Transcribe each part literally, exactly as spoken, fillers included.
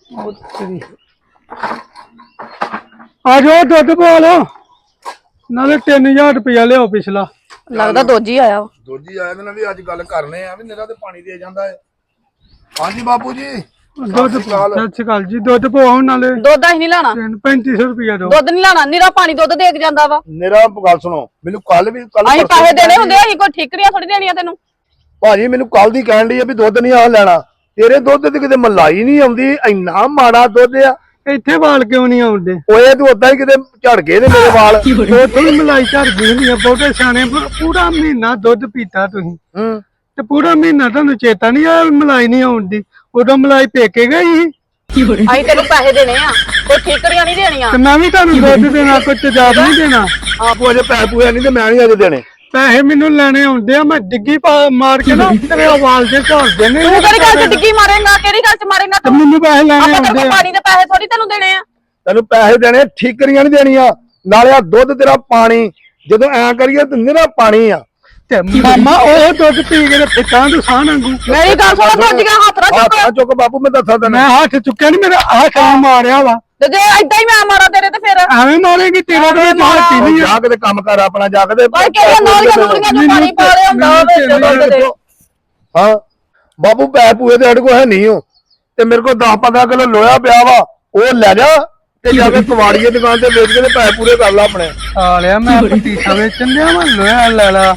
आ जाओ दुध पा लो नाले तीन हजार रुपया लियो पिछला लगदा दोजी आया दोजी आया ते ना भी अज गल करने आ भी मेरा ते पानी दे जांदा है। हां जी बापू जी दुध सत श्री अकाल जी दुध पाओ नाले दुध अहीं नहीं लाना पैंती सौ रुपया दो दुध नहीं लाना निरा पानी दुध दे के जांदा वा मेरा गल सुनो मेनू कल भी कल अहीं पैसे देने हुंदे अहीं कोई ठिकरियां थोड़ी देनियां तैनू भाजी मेनू कल दी कहन दी भी दुध नहीं आ लेना तेरे दुध ते किते मलाई नहीं आउंदी इन्ना माड़ा दुध आ इत्थे वाल क्यों नहीं आउंदे ओए तू उदा ही किते झड़ गए ने मेरे वाल वो थोड़ी मलाई झड़ गई नहीं बहुते सियाने पूरा महीना दुध पीता तुसीं हूं ते पूरा महीना तुहानू चेता नहीं आया मलाई नहीं आउंदी उदों मलाई पेके गई अहीं तैनू पैसे देने आ कोई ठिकरियां नहीं देनियां ते मैं भी तुहानू दुध देना कोई तेजाब नहीं देना आप अजे पैसे पूए नहीं ते मैं नहीं अजे देने पैसे मैनू लेने आउंदे आ मैं डिग्गी मार के ना तेरे वाल दे झाड़ देने तू केड़ी गल च डिग्गी मारेगा केड़ी गल च मारेगा ते तू मैनू पैसे लेने आपे आउंदे तेरे पानी दे पैसे थोड़ी तैनू देने आ तेनू पैसे देने ठीकरियां नहीं देनियां नाले आ दुध तेरा पानी जदों ऐ करिए ते निरा पानी आ ते मामा ओह दुध पी के फिटां तू साह वांगू मेरी गल सुनो दोजियां हत्थ ना चुक हाथ चुक बापू मैं दसा देना मैं हाथ चुक्या नहीं मेरा हाथ मारिया वा ते जे ऐदां ही मैं मारा तेरे ते फिर ਐਵੇਂ ਮਾਰੇਗੀ ਤੇਰਾ ਤੇ ਮਾਰ ਪੀਣੀ जा के काम कर अपना जाके ते भाई केड़ियां नालियां नूलियां जो पानी पा रहे हुंदा विच दुध दे हां बाबू पैसे पूए ते अड़ को है नहीं हो ते मेरे को दस पंद्रह किलो लोया पिया वा ओ ले जा ते जाके कवाड़ी की दुकान ते बेच के ते पैसे पूरे कर ला अपने ਸਾਲਿਆ ਮੈਂ ਪਤੀਸਾ ਵੇਚਣ ਦਿਆ ਮੈਂ ਲੋਇਆ ਲੈ ਲਾ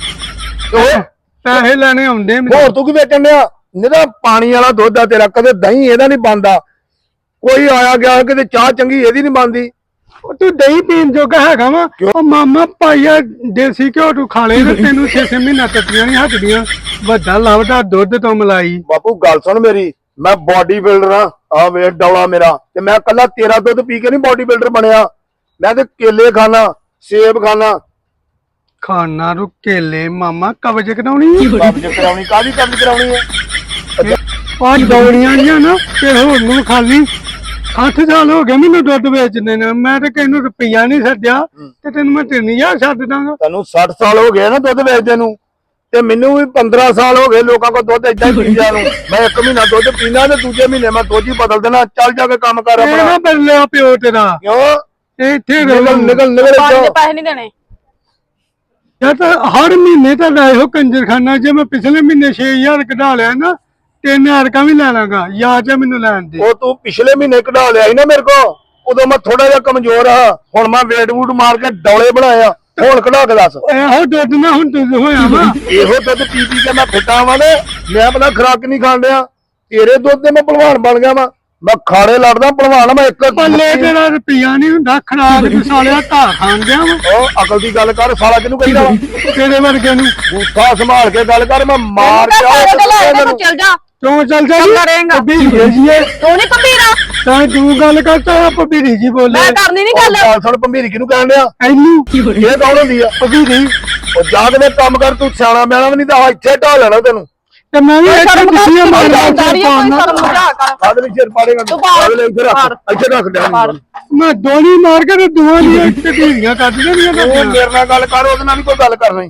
ਪੈਸੇ ਲੈਣੇ ਆਉਂਦੇ ਹੋਰ ਤੂੰ ਕੀ ਵੇਚਣ ਡਿਆ ਨਿਹਰਾ ਪਾਣੀ ਵਾਲਾ ਦੁੱਧ ਆ ਤੇਰਾ ਕਦੇ ਦਹੀਂ ਇਹਦਾ ਨਹੀਂ ਬਣਦਾ ਕੋਈ ਆਇਆ ਗਿਆ ਕਿਤੇ ਚਾਹ ਚੰਗੀ ਇਹਦੀ ਨਹੀਂ ਬਣਦੀ ਤੂੰ ਦਹੀਂ ਪੀਣ ਜੋਗਾ ਹੈਗਾ ਵਾ ਉਹ ਮਾਮਾ ਪਾਈਆ ਦੇਸੀ ਘਿਓ ਤੂੰ ਖਾ ਲੈ ਤੈਨੂੰ ਛੇ ਛੇ ਮਹੀਨਾ ਟੱਟੀਆਂ ਨਹੀਂ ਹਟਦੀਆਂ ਵੱਡਾ ਲੱਭਦਾ ਦੁੱਧ ਤੋਂ ਮਲਾਈ ਬਾਪੂ ਗੱਲ ਸੁਣ ਮੇਰੀ ਮੈਂ ਬਾਡੀ ਬਿਲਡਰ ਆ ਆ ਵੇ ਡੌਲਾ ਮੇਰਾ ਤੇ ਮੈਂ ਕੱਲਾ ਤੇਰਾ ਦੁੱਧ ਪੀ ਕੇ ਨਹੀਂ ਬਾਡੀ ਬਿਲਡਰ ਬਣਿਆ ਮੈਂ ਤੇ ਕੇਲੇ ਖਾਣਾ ਸੇਬ ਖਾਣਾ ਖਾਣਾ ਰੂ ਕੇਲੇ ਮਾਮਾ ਕਬਜ਼ ਕਰਾਉਣੀ ਕਬਜ਼ ਕਰਾਉਣੀ ਕਾਹਦੀ ਕਬਜ਼ ਕਰਾਉਣੀ ਹੈ ਆ ਦੌੜੀਆਂ ਜੀਆਂ ਨਾ ਤੇ ਹੋਰ ਨੂੰ ਖਾਲੀ ਅੱਠ ਸਾਲ ਹੋ ਗਏ ਮੈਨੂੰ ਦੁੱਧ ਵੇਚਦੇ ਨੇ ਮੈਂ ਤੇ ਕਿਸੇ ਨੂੰ ਰੁਪਈਆ ਨਹੀਂ ਛੱਡਿਆ ਤੇ ਤੈਨੂੰ ਮੈਂ ਤਿੰਨ ਹਜ਼ਾਰ ਛੱਡ ਦਾਂਗਾ ਤੈਨੂੰ ਸੱਠ ਸਾਲ ਹੋ ਗਏ ਨਾ ਦੁੱਧ ਵੇਚਦੇ ਨੂੰ ਤੇ ਮੈਨੂੰ ਵੀ ਪੰਦਰਾਂ ਸਾਲ ਹੋ ਗਏ ਲੋਕਾਂ ਕੋਲ ਦੁੱਧ ਏਦਾਂ ਹੀ ਪੀਂਦਿਆਂ ਨੂੰ ਮੈਂ ਇੱਕ ਮਹੀਨਾ ਦੁੱਧ ਪੀਣਾ ਤੇ ਦੂਜੇ ਮਹੀਨੇ ਮੈਂ ਦੁੱਧ ਹੀ ਬਦਲ ਦੇਣਾ ਚੱਲ ਜਾ ਕੇ ਕੰਮ ਕਰ ਇਹ ਆਪਣਾ ਨਾ ਬਦਲਿਆ ਪਿਓ ਤੇਰਾ ਕਿਉਂ ਇੱਥੇ ਨਿਕਲ ਨਿਕਲ ਨਿਕਲ ਪਾਣੀ ਦੇ ਇੱਥੋਂ। ਪੈਸੇ ਨਹੀਂ ਦੇਣੇ ਯਾ ਤਾਂ ਹਰ ਮਹੀਨੇ ਤਾਂ ਲੈ ਹੋ ਕੰਜਰਖਾਨਾ ਜੇ ਮੈਂ ਪਿਛਲੇ ਮਹੀਨੇ ਛੇ ਹਜ਼ਾਰ ਕਢਾ ਲਿਆ ਨਾ ਤਿੰਨ ਹਜ਼ਾਰ ਕਾ ਵੀ ਲੈ ਲਾਂਗਾ ਯਾਦ ਹੈ ਮੈਨੂੰ ਲੈਣ ਦੇ ਉਹ ਤੂੰ ਪਿਛਲੇ ਮਹੀਨੇ ਕਢਾ ਲਿਆ ਸੀ ਨਾ ਮੇਰੇ ਕੋ ਉਦੋਂ ਮੈਂ ਥੋੜਾ ਜਿਹਾ ਕਮਜ਼ੋਰ ਆ ਹੁਣ ਮੈਂ ਵੇਟ ਵੂਟ ਮਾਰ ਕੇ ਡੌਲੇ ਬਣਾਇਆ ਹੁਣ ਕਢਾ ਕੇ ਦੱਸ ਇਹੋ ਦੁੱਧ ਨਾ ਹੁਣ ਦੁੱਧ ਹੋਇਆ ਵਾ ਇਹੋ ਦੁੱਧ ਪੀ ਪੀ ਕੇ ਮੈਂ ਫਿੱਟਾ ਵਾਂ ਤੇ ਮੈਂ ਆਪਣਾ ਖੁਰਾਕ ਨਹੀਂ ਖਾਣ ਡਿਆ ਤੇਰੇ ਦੁੱਧ ਦੇ ਮੈਂ ਭਲਵਾਨ ਬਣ ਗਿਆ ਵਾ ਮੈਂ ਖਾੜੇ ਲੜਦਾ ਭਲਵਾਨ ਮੈਂ ਇੱਕ ਪੱਲੇ ਤੇਰਾ ਰੁਪਈਆ ਨਹੀਂ ਹੁੰਦਾ ਖਰਾਬ ਤੂੰ ਸਾਲਿਆ ਘਾਹ ਖਾਣ ਗਿਆ ਵਾ ਉਹ ਅਕਲ ਦੀ ਗੱਲ ਕਰ ਸਾਲਾ ਕਿਹਨੂੰ ਕਹਿੰਦਾ ਵਾ ਤੇਰੇ ਵਰਗੇ ਨੂੰ ਗੁੱਸਾ ਸੰਭਾਲ ਕੇ ਗੱਲ ਕਰ ਮੈਂ ਮਾਰ ਕੇ ਆਇਆ ਤੂੰ ਚੱਲ ਜਾ ਤੂੰ ਚੱਲ ਜਾ ਚੱਲਦਾ ਰਹੇਂਗਾ। ਭੀੜੇ ਜੀਏ ਤੂੰ ਨਹੀਂ ਕੰਬੀਰਾ ਤਾਂ ਤੂੰ ਗੱਲ ਕਰਤਾ ਆਪ ਭੀੜੀ ਜੀ ਬੋਲੇ ਮੈਂ ਕਰਨੀ ਨਹੀਂ ਗੱਲ ਗੱਲ ਸੁਣ ਭੰਬੀਰੀ ਕਿਹਨੂੰ ਕਹਿਣ ਡਿਆ ਐਨੂੰ ਇਹ ਕੌਣ ਹੁੰਦੀ ਆ ਭੀੜੀ ਉਹ ਜਾ ਕੇ ਕੰਮ ਕਰ ਤੂੰ ਸਿਆਣਾ ਮਿਆਣਾ ਵੀ ਨਹੀਂ ਤਾਂ ਇੱਥੇ ਢਾ ਲੈਣਾ ਤੈਨੂੰ ਤੇ ਮੈਂ ਵੀ ਇੱਥੇ ਸ਼ਰਮ ਕਰ ਕੁੱਤੀਆਂ ਮਾਰਦਾ ਦਾੜੀ ਕੋਈ ਸ਼ਰਮ ਬੁਝਾ ਕਰ ਸਾਡੇ ਵਿੱਚ ਸਿਰ ਪਾੜੇਗਾ ਤੂੰ ਬਾਹਰ- ਅਗਲੇ ਇੱਥੇ ਰੱਖ ਇੱਥੇ ਰੱਖ ਦਿਆ ਮੈਂ ਦੋਨੀ ਮਾਰ ਕੇ ਤੇ ਦੋਹਾਂ ਦੀਆਂ ਇੱਥੇ ਢੀੜੀਆਂ ਕੱਢ ਦੇਣੀਆਂ ਉਹ ਮੇਰੇ ਨਾਲ ਗੱਲ ਕਰ ਉਹਦੇ ਨਾਲ ਵੀ ਕੋਈ ਗੱਲ ਕਰਨੀ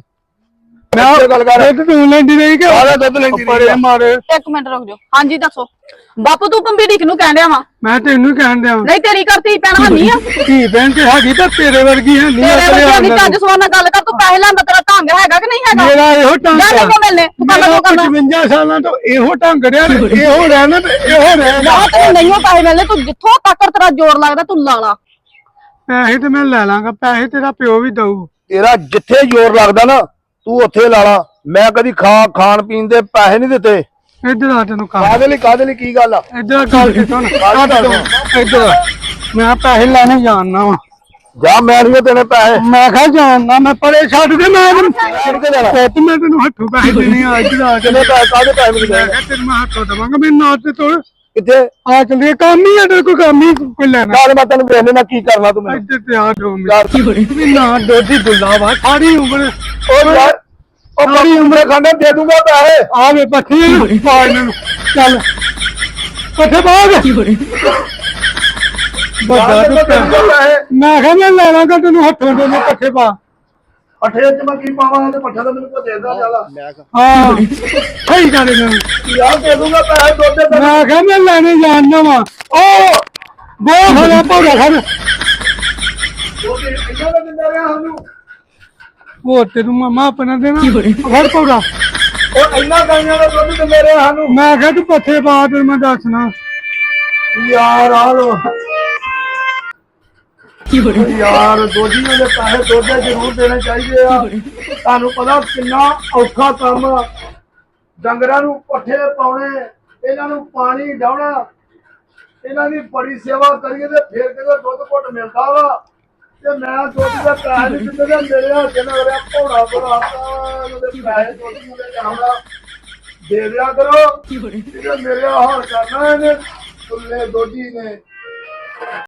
ਮੈਂ ਇੱਥੇ ਗੱਲ ਕਰ ਦੁੱਧ ਤੂੰ ਲੈਂਦੀ ਰਹੀ ਕਿ ਸਾਰਾ ਦੁੱਧ ਲੈਂਦੀ ਪਰੇ ਰਹੀ ਮਾਰੇ ਇੱਕ ਮਿੰਟ ਰੁਕ ਜਾ ਹਾਂਜੀ ਦੱਸੋ ਬਾਪੂ ਤੂੰ ਕੰਬੀਰੀ ਕਿਨੂੰ ਕਹਿਣ ਡਿਆ ਵਾ ਮੈਂ ਤੈਨੂੰ ਕਹਿਣ ਦਿਆਂ ਨਹੀਂ ਤੇਰੀ ਕਰਤੀ ਪੈਣਾ ਨਹੀਂ ਆ ਧੀ ਭੈਣ ਤੇ ਹੈਗੀ ਤਾਂ ਤੇਰੇ ਵਰਗੀ ਹੈ ਨਹੀਂ ਤੇਰੇ ਵਰਗੀ ਦੀ ਚੱਜ ਸਵਾਨਾ ਗੱਲ ਕਰ ਤੂੰ ਪੈਸੇ ਲੈਂਦਾ ਤੇਰਾ ਢੰਗ ਹੈਗਾ ਕਿ ਨਹੀਂ ਹੈਗਾ ਮੇਰਾ ਇਹੋ ਢੰਗ ਜਾ ਆ ਮੈਨੂੰ ਮਿਲਨੇ ਤੂੰ ਕੰਮ ਮੇਰਾ ਕਿਉਂ ਕਰਨਾ ਪਚਵੰਜਾ ਸਾਲਾਂ ਤੋਂ ਇਹੋ ਢੰਗ ਰਿਹਾ ਤੇ ਇਹੋ ਰਹਿਣਾ ਤੇ ਇਹੋ ਰਹਿਣਾ ਨਾ ਤੂੰ ਨਹੀਂ ਉਹ ਪੈਸੇ ਮਿਲਨੇ ਤੂੰ ਜਿੱਥੋਂ ਤੱਕ ਤੇਰਾ ਜ਼ੋਰ ਲੱਗਦਾ ਤੂੰ ਲਾ ਲਾ ਪੈਸੇ ਤੇ ਮੈਂ ਲੈ ਲਾਂਗਾ ਪੈਸੇ ਤੇਰਾ ਪਿਓ ਵੀ ਦਊ ਤੇਰਾ ਜਿੱਥੇ ਜ਼ੋਰ ਲੱਗਦਾ ਨਾ ਤੂੰ ਉੱਥੇ ਲਾ ਲਾ ਮੈਂ ਕਦੀ ਖਾ ਖਾਣ ਪੀਣ ਦੇ ਪੈਸੇ ਨਹੀਂ ਦਿੱਤੇ ਇੱਧਰ ਆ ਤੈਨੂੰ ਕੰਮ ਕਾਹਦੇ ਲਈ ਕਾਹਦੇ ਲਈ ਕੀ ਗੱਲ ਆ ਇੱਧਰ ਗੱਲ ਕੀ ਸੁਣ ਇੱਧਰ ਮੈਂ ਪੈਸੇ ਲੈਣੇ ਜਾਣਨਾ ਵਾ ਜਾ ਮੈਂ ਨਹੀਂ ਦੇਣੇ ਪੈਸੇ ਮੈਂ ਕਿਹਾ ਜਾਣਨਾ ਮੈਂ ਪਰੇ ਛੱਡ ਦੇ ਮੈਂ ਪੁੱਤ ਮੈਂ ਤੈਨੂੰ ਹੱਥੋਂ ਪੈਸੇ ਦੇਣੇ ਆ ਇੱਧਰ ਆ ਕਿੰਨੇ ਪੈਸੇ ਕਾਹਦੇ ਪੈਸੇ ਮੈਂ ਮੈਨੂੰ ਦੇਣੇ ਕਿਹਾ ਤੈਨੂੰ ਮੈਂ ਹੱਥੋਂ ਦਵਾਂਗਾ ਮੈਨੂੰ ਨਾਲ ਤੇ ਤੋੜ ਕਿੱਥੇ ਆ ਚੱਲੀਏ ਕੰਮ ਹੀ ਆ ਤੇਰੇ ਕੋਈ ਕੰਮ ਹੀ ਕੋਈ ਲੈਣਾ ਨਾਲ ਮੈਂ ਤੈਨੂੰ ਦੇਣੇ ਨਾ ਕੀ ਕਰਨਾ ਤੂੰ ਮੈਨੂੰ ਇੱਧਰ ਤੇ ਆ ਦੋ ਮਿੰਟ ਵੀ ਨਾ ਦੋਦੀ ਦੁੱਲਾ ਵਾ ਸਾਰੀ ਉਮਰ ਉਹ ਯਾਰ ਉਹ ਬੜੀ ਉਮਰੇ ਖਾਂਦੇ ਦੇ ਦੂੰਗਾ ਪੈਸੇ ਆ ਵੇ ਪੱਠੀ ਪਾ ਇਹਨਾਂ ਨੂੰ ਚੱਲ ਪੱਠੇ ਬਾਗ ਵੱਡਾ ਯਾਰ ਤੂੰ ਮੈਂ ਦੇ ਦੂੰਗਾ ਪੈਸੇ ਮੈਂ ਕਿਹਾ ਮੈਂ ਲੈ ਲਾਂਗਾ ਤੈਨੂੰ ਹੱਥੋਂ ਦੇ ਪੱਠੇ ਪਾ ਪੱਠੇ ਚ ਮੈਂ ਕੀ ਪਾਵਾਂ ਤੇ ਪੱਠਾ ਤਾਂ ਮੈਨੂੰ ਕੋਈ ਦੇਦਾ ਜ਼ਿਆਦਾ ਮੈਂ ਹਾਂ ਸਹੀ ਗੱਲ ਹੈ ਯਾਰ ਦੇ ਦੂੰਗਾ ਪੈਸੇ ਦੁੱਧ ਦੇ ਮੈਂ ਕਿਹਾ ਮੈਂ ਲੈਣੇ ਜਾਣਦਾ ਵਾ ਉਹ ਬਹੁਤ ਖਰਾ ਪੌੜਾ ਖੜ ਉਹ ਤੇ ਇੰਨਾ ਦਾ ਦਿੰਦਾ ਰਿਹਾ ਸਾਨੂੰ ਹੋਰ ਤੈਨੂੰ ਮਾਮਾ ਆਪਣਾ ਦੇਣਾ ਖੜ ਪੌੜਾ ਉਹ ਇੰਨਾ ਗਾਈਆਂ ਦਾ ਦੁੱਧ ਦਿੰਦੇ ਰਹੇ ਸਾਨੂੰ ਮੈਂ ਕਿਹਾ ਤੂੰ ਪੱਠੇ ਪਾ ਤੇ ਮੈਂ ਦੱਸਣਾ ਯਾਰ ਆ ਲੋ ਯਾਰ ਦੋਜੀਆਂ ਦੇ ਪੈਸੇ ਦੁੱਧ ਦੇ ਜ਼ਰੂਰ ਦੇਣੇ ਚਾਹੀਦੇ ਆ ਤੁਹਾਨੂੰ ਪਤਾ ਕਿੰਨਾ ਔਖਾ ਕੰਮ ਆ ਡੰਗਰਾਂ ਨੂੰ ਪੱਠੇ ਪਾਉਣੇ ਇਹਨਾਂ ਨੂੰ ਪਾਣੀ ਡਾਉਣਾ ਇਹਨਾਂ ਦੀ ਬੜੀ ਸੇਵਾ ਕਰੀਏ ਤੇ ਫਿਰ ਕਿਤੇ ਦੁੱਧ ਘੁੱਟ ਮਿਲਦਾ ਵਾ ਤੇ ਮੈਂ ਦੁੱਧ ਦਾ ਪੈਸੇ ਨਹੀਂ ਦਿੰਦੇ ਤੇ ਮੇਰੇ ਹੱਥ ਨਾਲ ਅਗਲਿਆ ਘੋੜਾ ਬਣਾਤਾ ਉਹਦੇ ਪੈਸੇ ਦੁੱਧ ਨੂੰ ਦੇ ਜਾਣਾ ਦੇ ਦਿਆ ਕਰੋ ਤੇ ਮੇਰੇ ਹਾਲ ਕਰਨਾ ਇਹਨੇ ਤੁੱਲੇ ਦੋਜੀ ਨੇ